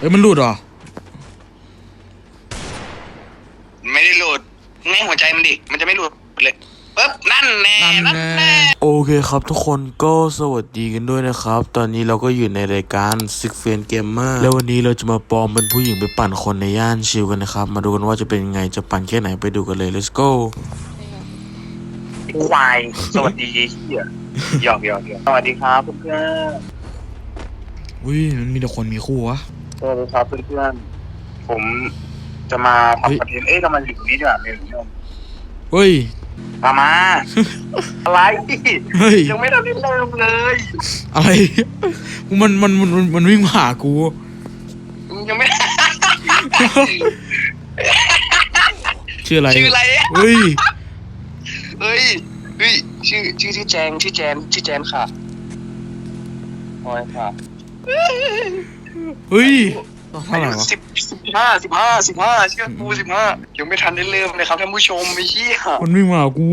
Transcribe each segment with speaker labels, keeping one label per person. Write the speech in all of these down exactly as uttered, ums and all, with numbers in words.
Speaker 1: อ้ยมันหลุดเหรอ
Speaker 2: ไม่ได้หลุดง่ายหัวใจมันดิมันจะไม่หลุดเลยปึ๊บนั่นแน่นั่นแน่
Speaker 1: โอเคครับทุกคนก็สวัสดีกันด้วยนะครับตอนนี้เราก็อยู่ในรายการ Six Friends Gamer แล้ววันนี้เราจะมาปลอมเป็นผู้หญิงไปปั่นคนในย่านชิลกันนะครับมาดูกันว่าจะเป็นยังไงจะปั่นแค่ไหนไปดูกันเลย let's go
Speaker 2: ควายสวัสดีเฮียหยอกหยอกหยอกสวัสดีครับเพื่อน
Speaker 1: อุ้ยมันมีแต่คนมีคู่วะ
Speaker 2: สวัสดีครับเพื่อนผมจะมาทำคอนเทนต์เอ๊ะทำไมอยู่ตรงนี้ด้วยเนี่ยพี่
Speaker 1: เฮ้ย
Speaker 2: มามาอะไร
Speaker 1: เฮ้ย
Speaker 2: ยังไม่ได้เริ่มเลย
Speaker 1: อะไรมันมันมันมันวิ่งมาหากู
Speaker 2: ยังไม่
Speaker 1: ชื่ออะไร
Speaker 2: ชื่ออะไร
Speaker 1: เฮ้ย
Speaker 2: เฮ้ยเฮ้ยชื่อชื่อชื่อแจงชื่อแจนชื่อแจนค่ะโอ้ยค่ะ
Speaker 1: เฮ้ยเท่าไหร่วะ
Speaker 2: สิบสิบห้าสิบห้าสิบห้าเชื่อกูสิบห้ายังไม่ทันได้เริ่มเลยครับท่านผู้ชมไอ้เหี้ย
Speaker 1: มันวิ่งมาหากู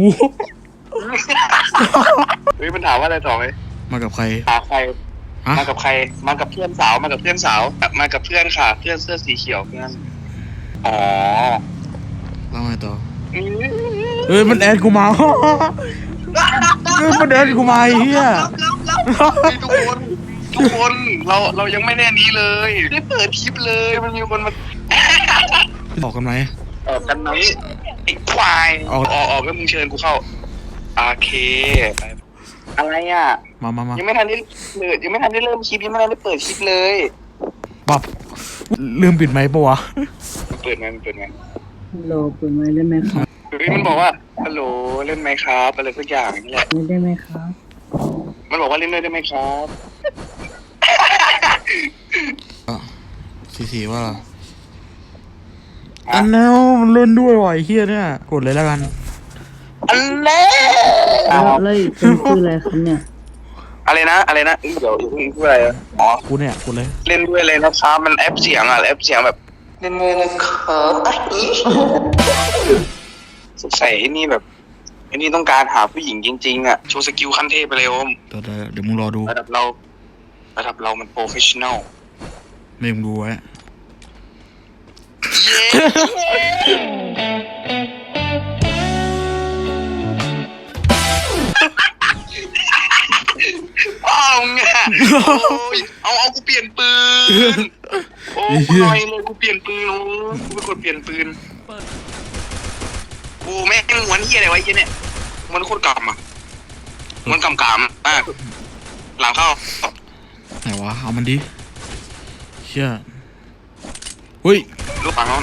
Speaker 2: เฮ้ยมันถามว่าอะไรต่อไหม
Speaker 1: มากับใคร
Speaker 2: หาใครมากับใครมากับเพื่อนสาวมากับเพื่อนสาวมากับเพื่อนค่ะเพื่อนเสื้อสีเขียวเพื่อนอ๋อ
Speaker 1: แล้วไงต่อเฮ้ยมันแอดกูมาเฮ้ยมันแอดกูมาไอ้เหี้ย
Speaker 2: ทุกคนทุกคนเราเรายังไม่แน่นี้เลยได้เปิดคลิปเลยมันมีคนมา
Speaker 1: ออกกันไหม
Speaker 2: ออกกันไหมไอ้ควายออกออกแล้วมึงเชิญกูเข้าโอเคอะไรอ่ะ
Speaker 1: มามามา
Speaker 2: ยังไม่ทันได้เปิดยังไม่ทันได้เริ่มคลิปยังไม่ทันได้เปิดคลิปเลย
Speaker 1: ปับลืมปิดไมค์ปะวะ
Speaker 2: เปิดไมค์เปิดไมค์
Speaker 3: ฮัลโหลเปิดไมค์ได้ไหมครับ
Speaker 2: เฮ้ยมันบอกว่าฮัลโหลเล่นไหมครับอะไรสักอย่างนี่แหละ
Speaker 3: เล่นได้ไหมครับ
Speaker 2: มันบอกว่าเล่นได้ไหมครับ
Speaker 1: สีสีว่าอันแนวมันเล่นด้วยว่ะไอ้เหี้ยเนี่ยกดเลยแล้วกัน
Speaker 2: อันแน่
Speaker 3: แล้วเลยเป็นชื่ออะไรครับเนี่ย
Speaker 2: อะไรนะอะไรนะเดี๋ยวอย่าเพิ่งพูดอะไรอ๋อ
Speaker 1: กูเนี่ยกูเลย
Speaker 2: เล่นด้วยเลยนะครับมันแอปเสียงอ่ะแอปเสียงแบบเล่นด้วยนะครับสงสัยไอ้นี่แบบไอ้นี่ต้องการหาผู้หญิงจริงๆอ่ะโชว์สกิลขั้นเทพไปเลยโอม
Speaker 1: เดี๋ยวเดี๋ยวมึงรอดู
Speaker 2: ระดับเราระดับเรามันโปรเฟชชั่นอล
Speaker 1: ไม่มึงดูไว้
Speaker 2: อ้าวไงเอาเอากูเปลี่ยนปืนโอ้กูหน่อยเลยกูเปลี่ยนปืนโอ้กูเป็นคนเปลี่ยนปืนกูแม่งม้วนเหี้ยอะไรไว้เหี้ยเนี่ยมันโคตรกำอ่ะมันกำกำมากหลังเข้า
Speaker 1: ไหนวะเอามันดิเชี่ยเฮ้ย
Speaker 2: ลูกฝั่งโน้น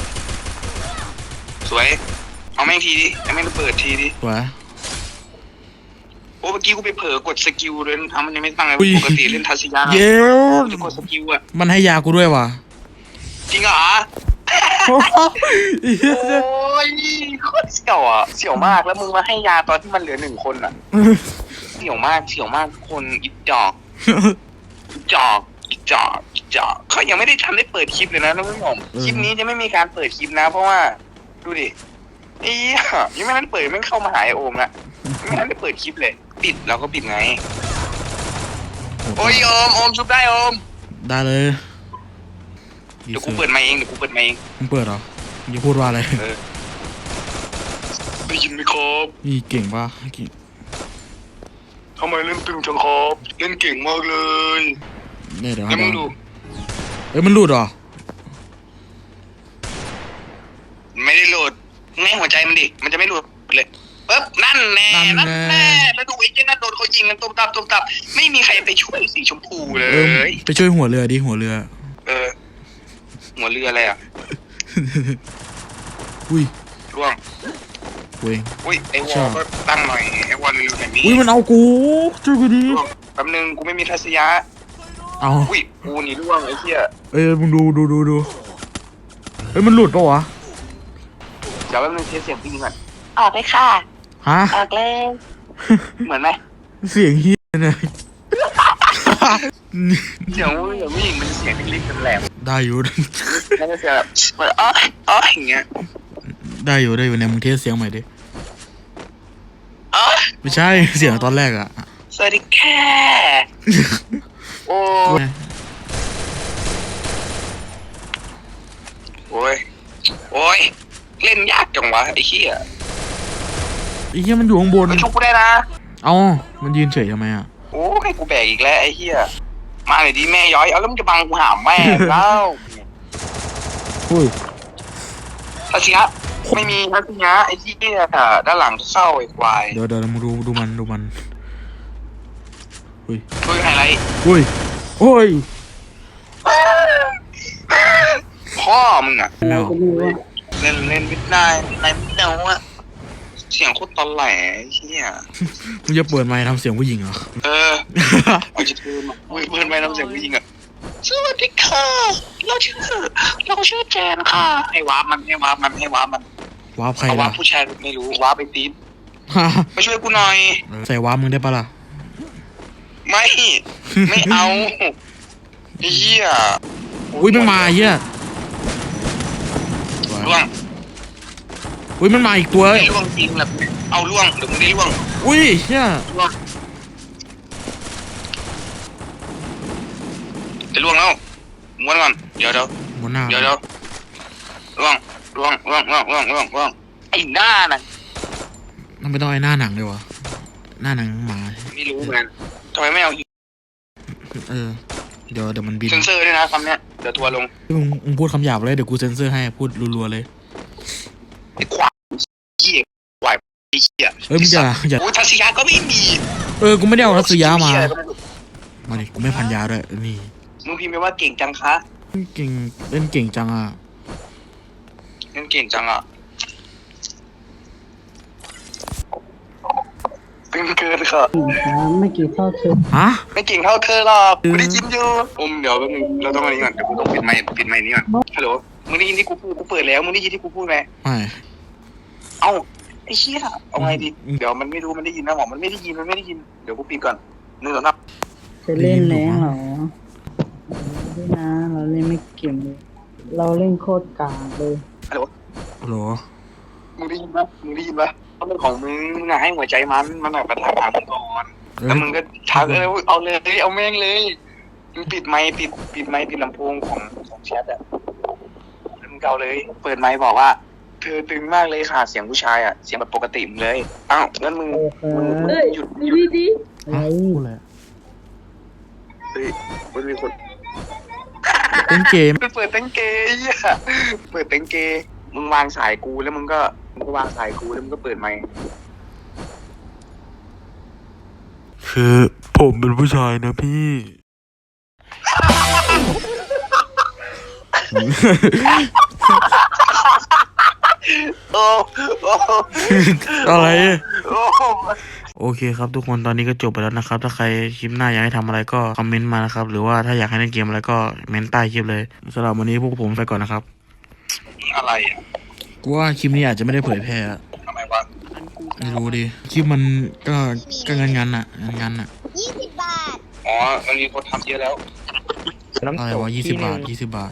Speaker 2: สวยเอาแม่งทีดิเอาแม่งเปิดทีดิ
Speaker 1: สวย
Speaker 2: โอ้เมื่อกี้กูไปเผลอกดสกิลเลยทำมันยังไม่ตั้งเลยปกติเล่นทัศยา
Speaker 1: เย้
Speaker 2: จะกดสกิลอ่ะ
Speaker 1: มันให้ยากูด้วยว่ะ
Speaker 2: จริงเหรอโอ้ยโคตรเสี่ยวอ่ะเสี่ยวมากแล้วมึงมาให้ยาตอนที่มันเหลือหนึ่งคนอ่ะเสี่ยวมากเสี่ยวมากคนอิจอกอิจอกอิจอกอิจอกเขายังไม่ได้ทันได้เปิดคลิปเลยนะท่านผู้ชมคลิปนี้จะไม่มีการเปิดคลิปนะเพราะว่าดูดิไอ้ยังไม่ทันเปิดไม่เข้ามาหาไอโอมละไม่ทันได้เปิดคลิปเลยปิดเราก็ปิดไงโอ้ยโอมโอมชุบได้โอม
Speaker 1: ได้เลย
Speaker 2: เดี๋ยวกูเปิดมาเองเดี๋ยวกูเปิดมาเอง
Speaker 1: มึงเปิดเหรอมึงพูดว่าอะไร
Speaker 2: ได้ยินไหมครับ
Speaker 1: นี่เก่งป่ะเก่ง
Speaker 2: ทำไมเล่นตึงจังครับเล่นเก่งมากเลย
Speaker 1: เนี่ยเดี๋ยว
Speaker 2: ให้มึงดู
Speaker 1: เอ้ยมันหลุดเหรอ
Speaker 2: ไม่ได้หลุดง่ายหัวใจมันดิมันจะไม่หลุดเลยปึ๊บนั่นแน่นั่นแน่แล้วดูไอ้เจ้านั่นโดนเขายิงกันตุ้มตับตุ้มตับไม่มีใครไปช่วยสีชมพูเลย
Speaker 1: ไปช่วยหัวเรือดิหัวเรือ
Speaker 2: เออหัวเรืออะไรอ่ะ
Speaker 1: อุ้ย
Speaker 2: ร่วง
Speaker 1: อุ้ย
Speaker 2: อุ้ยไอ้วอลก็ตั้งหน่อยไอ้วอลเร็วๆแบบนี้
Speaker 1: อุ้ยมันเอากูช่วยกูดิ
Speaker 2: แป๊บนึงกูไม่มีทัศยะ
Speaker 1: เอา
Speaker 2: อุ้ยกูนี่ร่วงไอ้เหี้ย
Speaker 1: เอ้ยมึงดูดูดูดูเฮ้ยมันหลุดปะวะ
Speaker 2: เดี๋ยวแป๊บนึงเทสเสียงพี่ก่อน
Speaker 4: ออกเลยค่ะ
Speaker 1: ฮะ
Speaker 4: ออกเลย
Speaker 2: เหมือนไหม
Speaker 1: เสียงเฮี้ยเนี่ย
Speaker 2: เสียงผู้หญิงผู้หญิงมันเสียงเล็กๆแหลม
Speaker 1: ได้อยู่
Speaker 2: แล้วก็เสียงแบบอ๋ออ๋ออย่างเงี้ย
Speaker 1: ได้อยู่ได้อยู่เนี่ยมึงเทสเสียงใหม่ดิ
Speaker 2: อ๋อ
Speaker 1: ไม่ใช่เสียงตอนแรกอะ
Speaker 2: สวัสดีค่ะโอ้โอ้ยโอ้ยเล่นยากจังวะไอ้เหี้ย
Speaker 1: ไอ้เหี้ยมันอยู่ข้างบน
Speaker 2: ไปชุบกูได้นะ
Speaker 1: เอ้ามันยืนเฉยทำไมอ่ะ
Speaker 2: โอ้ให้กูแบกอีกแล้วไอ้เหี้ยมาหน่อยดิแม่ย้อยเอาแล้วมึงจะบังกูหามแม่แล้ว
Speaker 1: อุ้ย
Speaker 2: ทัศยะไม่มีทัศยะไอ้เหี้ยด้านหลังเข้าไอ้ควาย
Speaker 1: เดี๋ยวเดี๋ยวมึงดูดูมันดูมันอุ้ย
Speaker 2: ช่วยไฮไลท์
Speaker 1: อุ้ยโอ้ย
Speaker 2: พ่อมึงอะ
Speaker 1: แม
Speaker 3: เรา
Speaker 1: ว
Speaker 3: ก็รู้ว่า
Speaker 2: เล่นเล่นไม่ได้ในไม่ได้อะเสียงโคตรตอนแหลไอ้เหี้ย
Speaker 1: มึงจะเปิดไมค์ทำเสียงผู้หญิงเหรอ
Speaker 2: เออเอาจะเพื่อนมาเพื่อนไม่ต้องเสียงผู้หญิงอะสวัสดีค่ะเราชื่อเราชื่อแจนค่ะให้วาร์ปมันให้วาร์ปมันให้วาร์ปมัน
Speaker 1: วาร์ปใคร
Speaker 2: เอาวา
Speaker 1: ล่ะ
Speaker 2: ร์ปผู้ชายไม่รู้วาร์ปไปตีนมาช่วยกูหน่อย
Speaker 1: ใส่วาร์ปมึงได้ปะล่ะ
Speaker 2: ไม่ไม่เอาไอ้เหี้ย
Speaker 1: อุ้ยมันมาไอ้เหี้ย
Speaker 2: ล่วง
Speaker 1: อุ้ยมันมาอีกตัว
Speaker 2: ได้ล่วงจริงแหละเอาล่วงเดี๋ยวมึงได้ล่วง
Speaker 1: อุ้ยเหี้ย
Speaker 2: ล่วงจะล่วงแล้วม้วนก่อนเดี๋ยวเดี๋ยว
Speaker 1: บนหน้า
Speaker 2: เดี๋ยวเดี๋ยวล่วงล่วงล่วงล่วงล่วงล่วงล่วงไอ้หน้าน่ะ
Speaker 1: มันไม่ต้องไอ้หน้าหนังเลยวะหน้าหนังหมา
Speaker 2: ไม่รู้เหมือนกันทำไมไม่เอา
Speaker 1: เออเดี๋ยวเดี๋ยวมันบิน
Speaker 2: เซนเซอร์ด้วยนะคำเนี้ยเดี๋ยวทัวร์ลง
Speaker 1: มึงมึงพูดคำหยาบเลยเดี๋ยวกูเซ็นเซอร์ให้พูดรัวๆเลย
Speaker 2: ไอ้ควายเหี้ยควายไอ้เหี้ย
Speaker 1: เอ้ยมึงอย่าอย่า
Speaker 2: โอ้ยทัศยาก็ไม่มี
Speaker 1: เออกูไม่ได้เอารัสยามา
Speaker 2: เหี้ยอะไรก็ไรู้
Speaker 1: มาดิกูไม่พันยาด้วยนี่
Speaker 2: มึงพิมพ์ไปว่าเก่งจังคะ
Speaker 1: เก่งเล่นเก่งจังอ่ะ
Speaker 2: เล่นเก่งจังอ่ะเป็นเกินค่ะ
Speaker 3: ผู้หญิงครับไม่กี่เท่าเธอ
Speaker 1: ฮะ
Speaker 2: ไม่เก่งเท่าเธอหรอกกูได้ยินอยู่อมเดี๋ยวแป๊บนึงเราต้องอันนี้ก่อนเดี๋ยวกูต้องปิดไมค์ปิดไมค์นี้ก่อนฮัลโหลมึงได้ยินที่กูพูดกูเปิดแล้วมึงได้ยินที่กูพูดไหม
Speaker 1: ไม่
Speaker 2: เอ้าไอ้เชี่ยเอาไงดีเดี๋ยวมันไม่รู้มันได้ยินนะหมอมันไม่ได้ยินมันไม่ได้ยินเดี๋ยวกูปิดก่อนหนึ่งสองสาม
Speaker 3: จะเล่นแรงเหรอไม่นะเราเล่นไม่เก่งเลยเราเล่นโคตรกากเลย
Speaker 2: ฮัลโหล
Speaker 1: ฮัลโหล
Speaker 2: มึงได้ยินปะมึงได้ยินปะเอาเรื่องของมึงมึงอะให้หัวใจมันมันอะประทานหามึงก่อน
Speaker 1: เอ้ย
Speaker 2: แล้วมึงก็ทักเออเอาเลยเอาแม่งเลยมึงปิดไมค์ปิดปิดไมค์ปิดลำโพงของของแชทอะแล้วมึงเกาเลย เปิดไมค์บอกว่าเธอตึงมากเลยค่ะเสียงผู้ชายอะเสียงแบบปกติมึงเลยอ้าวงั้นมึง
Speaker 3: โอเค
Speaker 2: มึงมึง
Speaker 3: เฮ้ย
Speaker 2: หยุด
Speaker 3: ดู
Speaker 2: หยุด
Speaker 3: ดิอะไร
Speaker 1: ฮะพูดเลย
Speaker 2: เฮ้ยมันมีคน
Speaker 1: เล่นเกม
Speaker 2: เปิดเต็งเกย์ไอ้เหี้ยเปิดเต็งเกย์มึงวางสายกูแล้วมึงก็มึงก็วางสายกูแล้วมึงก็เปิดไมค์
Speaker 1: คือผมเป็นผู้ชายนะพี่
Speaker 2: โอ้โอ้
Speaker 1: อะไร
Speaker 2: โอ้
Speaker 1: โอเคครับทุกคนตอนนี้ก็จบไปแล้วนะครับ ถ้าใครคลิปหน้าอยากให้ทำอะไรก็คอมเมนต์มานะครับ หรือว่าถ้าอยากให้เล่นเกมอะไรก็เมนต์ใต้คลิปเลยสำหรับวันนี้พวกผมไปก่อนนะครับ
Speaker 2: อะไรอ่ะ
Speaker 1: กูว่าคลิปนี้อาจจะไม่ได้เผยแพร่อะ
Speaker 2: ทำไมวะ
Speaker 1: ไม่รู้ดิคลิปมันก็ก็งันงันๆอะงันงันๆอะ
Speaker 4: ยี่สิบบาท
Speaker 2: อ๋อมันมีคนทำเยอะแล้ว
Speaker 1: อะไรวะยี่สิบบาทยี่สิบบาท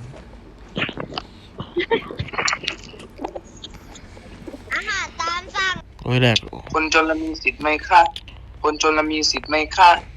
Speaker 4: อาหารตามสั่ง
Speaker 1: โอ้ยแหลก
Speaker 2: คนจนละมีสิทธิ์ไหมคะคนจนละมีสิทธิ์ไหมคะ